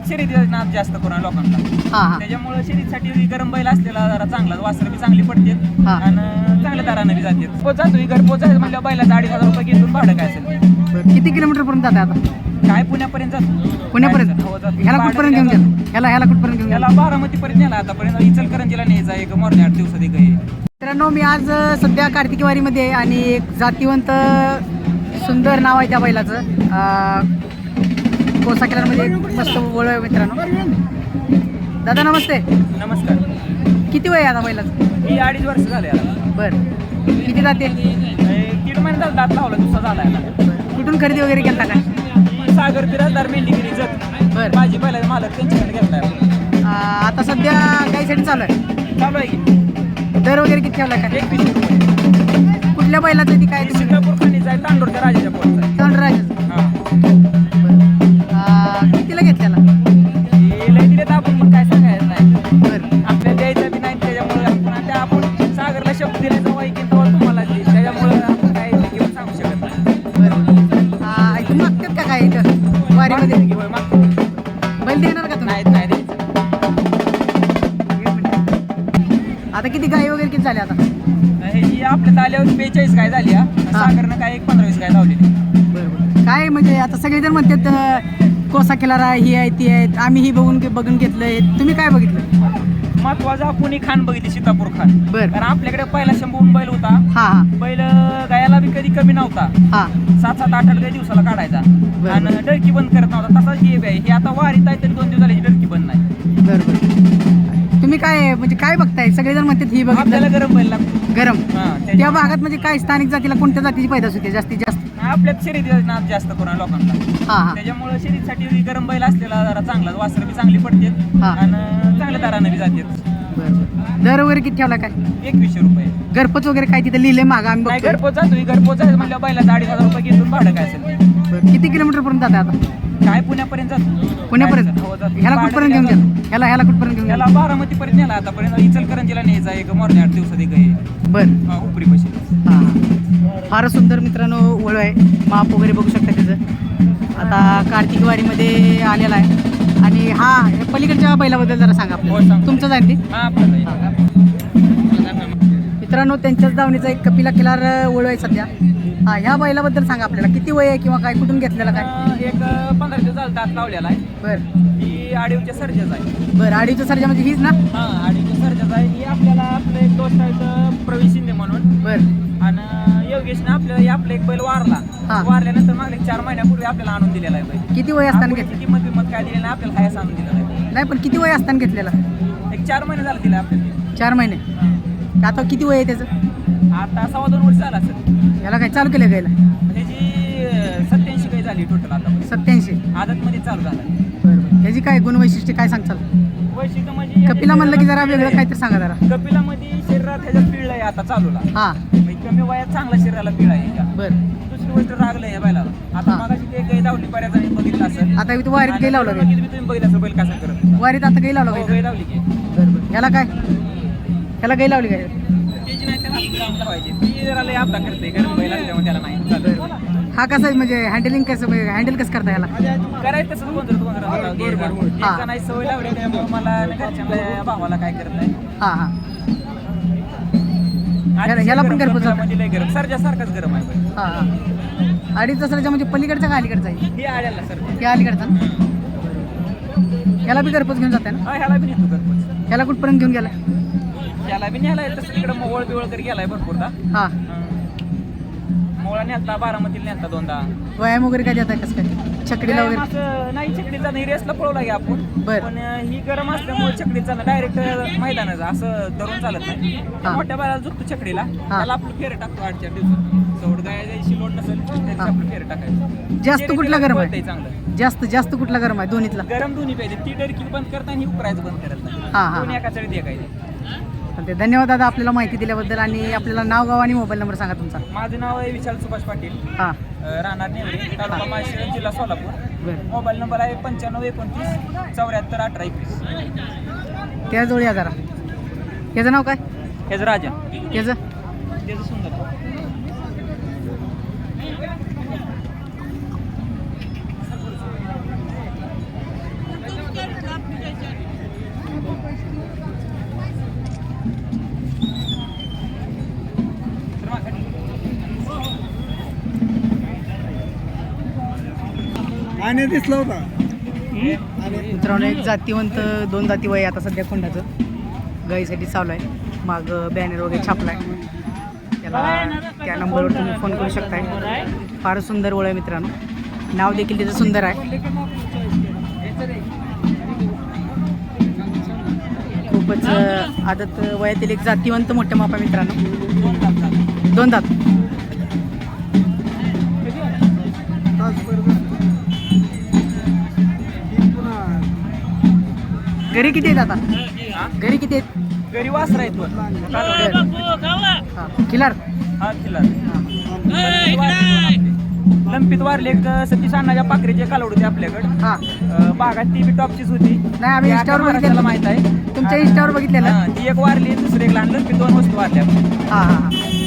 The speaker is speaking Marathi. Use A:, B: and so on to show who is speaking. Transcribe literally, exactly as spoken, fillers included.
A: शर्यतीचा नाद जास्त करून लोकांना.
B: हा हा
A: त्याच्यामुळे शर्यतीसाठी गरम बैल असलेला जरा चांगला, वासर बी चांगली पडते
B: हा.
A: आणि चांगल्या दराने बी जाते. पोच जातो घर पोचायचं म्हणलं बैलाचं अडीच हजार रुपये घेऊन भाडं काय असेल
B: बरं. किती किलोमीटर पर्यंत जाते आता?
A: काय पुण्यापर्यंत जातो.
B: पुण्यापर्यंत?
A: हो, जातो.
B: ह्याला कुठपर्यंत घेऊन गेला? ह्याला ह्याला कुठपर्यंत घेऊन गेला?
A: याला बारामतीपर्यंत नेला आतापर्यंत. इचलकरंजीला न्यायचा एक मोरण्या आठ दिवसात एक आहे.
B: मित्रांनो, मी आज अ, सध्या कार्तिकीवारीमध्ये आहे आणि एक जातीवंत सुंदर नाव आहे त्या बैलाचं. अ, कोसा किल्ल्यामध्ये एक मस्त वळ आहे मित्रांनो. दादा नमस्ते.
A: नमस्कार.
B: किती वय आहे आता बैलाचं?
A: ही अडीच वर्ष झाले याला.
B: बरं. किती जाते?
A: एक दीड महिना झाला दात लावला, दुसरा झाला याला.
B: कुठून खरेदी वगैरे केला काय?
A: सागर बिराजदार मेंढीगिरी जत.
B: बरं.
A: माझी पहिला मालक त्यांच्याकडे घेतलाय.
B: अ, आता सध्या गाईसाठी चालू आहे.
A: चालू आहे की
B: दर वगैरे किती ठेवला काय?
A: एक वीस रुपये.
B: कुठल्या बैलाचं ती काय?
A: सिंगापूर खाणीचा आहे, तांडोरच्या राजाच्या पोटचा आहे.
B: तांडराज.
A: हा.
B: कितीला घेतलेला?
A: हे लय दिलेत आपण, पण काय सांगायचं नाही.
B: बरं.
A: आपल्या द्यायचं बी नाही, त्याच्यामुळे आपण त्या आपण सागरला शब्द दिल्याचं वाईक तेव्हा तुम्हाला देईल. त्याच्यामुळे आपण काय घेऊन सांगू शकत नाही.
B: बरं. आ, ऐकून मागतात का काय इथं वारीमध्ये?
A: मागते की होय, मागते.
B: बैल देणार का तुम्ही?
A: नाही नाही द्यायचं.
B: एक मिनिट. आता किती गाई वगैरे किती झाल्या आता?
A: हे जी आपल्या आल्यावर बेचाळीस काय झाली हा. सागरनं काय एक पंधरा वीस काय लावलेली.
B: बरोबर. काय म्हणजे आता सगळेजण म्हणतात अ, कोसा किल्ला ही आहे ती आहे, आम्ही ही बघून बघून घेतलंय. तुम्ही काय बघितलं?
A: महत्वाचं आपण ही खान बघितली, सीतापूर खान.
B: बरं.
A: कारण आपल्याकडे पहिला शंभून बैल होता.
B: हा हा
A: बैल गायाला बी कधी कमी नव्हता.
B: हा
A: सात सात आठ आठ गाय दिवसाला काढायचा
B: बरं.
A: आणि डरकी बंद करत नव्हता. तसाच हे आहे. हे आता वारीत आहे तरी दोन दिवस झाले डरकी बंद नाही.
B: बरोबर. तुम्ही काय म्हणजे काय बघताय? सगळेजण म्हणतात ही
A: आपल्याला
B: बघितलं
A: गरम बैल लागतो.
B: गरम.
A: हा,
B: त्या
A: त्याच्या-
B: भागात म्हणजे काय स्थानिक जातीला कोणत्या जातीची पैदास होते जास्तीत जास्त?
A: आपल्यात शर्यतीचा नाद जास्त करून लोकांना.
B: हा हा
A: त्याच्यामुळे शर्यतीसाठी गरम बैल असलेला जरा चांगला, वासर बी चांगली पडते
B: हा.
A: आणि चांगल्या दराने बी जाते.
B: बरोबर. दर वगैरे किती ठेवला काय?
A: एकवीसशे रुपये.
B: घरपोच वगैरे काय तिथे लिहिले मागा आम्ही
A: नाही
B: बघतोय.
A: घरपोच जातो. घरपोच आहे म्हणलं बैलाचं अडीच हजार रुपये घेऊन भाडं काय असेल.
B: बरं. किती किलोमीटर पर्यंत जाते आता?
A: काय पुण्यापर्यंत जातो.
B: पुण्यापर्यंत?
A: हो, जातो.
B: ह्याला कुठपर्यंत घेऊन गेला? ह्याला ह्याला कुठपर्यंत घेऊन
A: याला
B: गेला?
A: बारामतीपर्यंत नेला आतापर्यंत. इचलकरंजीला न्यायचा एक मोरण्या आठ दिवसात एक आहे.
B: बरं.
A: उपरी पैसे.
B: हा हा. फारच सुंदर मित्रांनो वळ आहे. माप वगैरे बघू शकता त्याचं. आता कार्तिक वारीमध्ये आलेला आहे आणि हा हे पलीकडच्या बैलाबद्दल जरा सांगा
A: हो,
B: आपल्याला.
A: सांगतो.
B: तुमचं जाईल ते
A: हा आपल्याला
B: मित्रांनो, त्यांच्याच दावणीचा एक कपिला किल्लार वळ आहे सध्या. हा, ह्या बैलाबद्दल सांगा आपल्याला. किती वय आहे किंवा काय, कुठून घेतलेला काय?
A: अं, एक पंधरा दिवस झाला दात लावलेला आहे.
B: बरं
A: ही आडीवच्या सर्जाच आहे.
B: बरं. अडीचच्या सर्जा म्हणजे हीच ना?
A: हा, आडीवच्या सर्जाच आहे. ही आपल्याला आपलं एक दोस्त आहे प्रवीण शिंदे म्हणून.
B: बरं.
A: आणि योगेशनं आपल्याला हे आपलं एक बैल वारला.
B: हा.
A: वारल्यानंतर मागले चार महिन्यापूर्वी आपल्याला आणून दिलेला आहे बैल.
B: किती वय असताना
A: आपण
B: घेतलं?
A: त्याची किंमत बिंमत काय दिली नाही, आपल्याला हायस आणून दिलेला आहे.
B: नाही, पण किती वय असताना घेतलेला?
A: एक चार महिने झाले दिला आपल्याला.
B: चार महिने. आता किती वय आहे त्याचं?
A: आता सव्वा दोन वर्ष झाला असेल.
B: याला काय चालू केलं गायला?
A: त्याची सत्याऐंशी काही झाली टोटल आता.
B: सत्याऐंशी.
A: आदतमध्ये चालू झाला.
B: बरं. ह्याची काय गुणवैशिष्ट्य काय सांगचाल?
A: वैशिष्ट्य म्हणजे
B: कपिला म्हणलं की जरा वेगळं काहीतरी सांगा जरा.
A: कपिलामध्ये शरीरात ह्याच्यात पिळ आहे आता चालूला.
B: हा.
A: म्हणजे कमी वयात चांगला शरीराला पिळ आहे ह्याच्या.
B: बरं.
A: दुसरी गोष्ट रागलंय या बैलाला. आता
B: हा.
A: मागाशी ते गाय धावली बऱ्याच जणी बघितलं असेल.
B: आता इथं वारीत गाई लावलं
A: आणि
B: काय?
A: तुम्ही बघितलं असेल बैल कसा करत होता.
B: वारीत आता गाई लावलं
A: हो,
B: काय?
A: गाय धावली की.
B: बरं बरं. ह्याला काय? ह्याला गाई लावली काय?
A: त्याची नाही त्याला काम लावायची. ती जरा लय आपला करते गरम बैल असल्यामुळे त्याला नाही चालत.
B: हा कसं आहे म्हणजे हँडलिंग कसं हँडल कसं करता ह्याला?
A: करायचं तसंच गोंधळ गोंधळ होता. एक
B: हा.
A: जणाची सवय लावली त्यामुळे मला आणि घरच्यांना भावाला काय करत नाही.
B: हा हा.
A: आणि
B: ह्याला पण
A: गरम
B: घरपोच होतं?
A: कपिलामध्ये लय गरम सरजासारखंच गरम आहे बैल.
B: हा हा. अडीच दसऱ्याच्या म्हणजे पलीकडचा का अलीकडचा आहे?
A: हे आल्याला सर.
B: या अलीकडचा ना? ह्याला बी घरपोच घेऊन जाते ना?
A: हा, ह्याला बी नेतो घरपोच.
B: ह्याला कुठपर्यंत घेऊन गेला?
A: ह्याला बी न्यायला तसं तिकडे मोवळ बिवळ तरी गेलाय भरपूरदा.
B: हा.
A: मोळा नेलता, बारामतीला नेलता दोनदा.
B: व्यायाम वगैरे काय देताय कसं काय? छकडीला वगैरे?
A: असं नाही छकडीचा नाही, रेसला पळवला की आपण.
B: बरं.
A: पण ही गरम असल्यामुळे छकडीचा डायरेक्ट मैदानाचा असं धरून चालत नाही.
B: हा.
A: मोठ्या बाळाला झुकतो छकडीला, त्याला आपलं फेर टाकतो आठ चार दिवसात. चौड गाय जायची लोट नसेल त्याची आपलं फेर टाकायचं.
B: जास्त कुठला गरम आहे?
A: पळतंय चांगलं.
B: जास्त जास्त कुठला गरम आहे दोन्हीतला?
A: गरम दोन्ही पाहिजे. ती डरकी बंद करता आणि ही उपरायचं बंद करत नाही.
B: हा हा.
A: दोन्ही एका चढीत एकायचे.
B: चालतंय. धन्यवाद दादा आपल्याला माहिती दिल्याबद्दल. आणि आपल्याला नाव गाव आणि मोबाईल नंबर सांगा तुमचा.
A: माझं नाव आहे विशाल सुभाष पाटील.
B: हा.
A: अं, राहणार नेवरी, तालुका माळशिरस, जिल्हा सोलापूर.
B: बरं.
A: मोबाईल नंबर आहे पंच्याण्णव एकोणतीस चौऱ्याहत्तर अठरा एकवीस.
B: त्या जोडी या जरा. त्याचं नाव काय?
A: हेच राजा.
B: त्याचं?
A: त्याचं सुंदर.
C: आणि दिसला होता
B: मित्रांनो एक जातीवंत दोन जाती वय आता सध्या खोंडाचं गाईसाठी चालू आहे. माग बॅनर वगैरे छापलाय, त्याला त्या नंबरवर तुम्ही फोन करू शकताय. फार सुंदर ओळ आहे मित्रांनो, नाव देखील त्याचं सुंदर आहे. खूपच अं, आदत वयातील एक जातीवंत मोठ्या मापा मित्रांनो, दोन दात. घरी किती आहेत आता? घरी किती आहेत?
A: घरी वासरा येतो
B: किलर
A: हा किल्ला लंपीत वारले एक सतीश अण्णाच्या पाखरेचे कालवड होते आपल्याकडे.
B: हा
A: अं, बागात ती बी टॉपचीच होती.
B: नाही आम्ही इंस्टावर
A: त्याला
B: बघितलेलं
A: माहित आहे.
B: तुमच्या इंस्टावर बघितलेलं.
A: हा, ती एक वारली, दुसरी एक लहान लंपीत दोन वस्तू वारल्या.
B: हा हा हा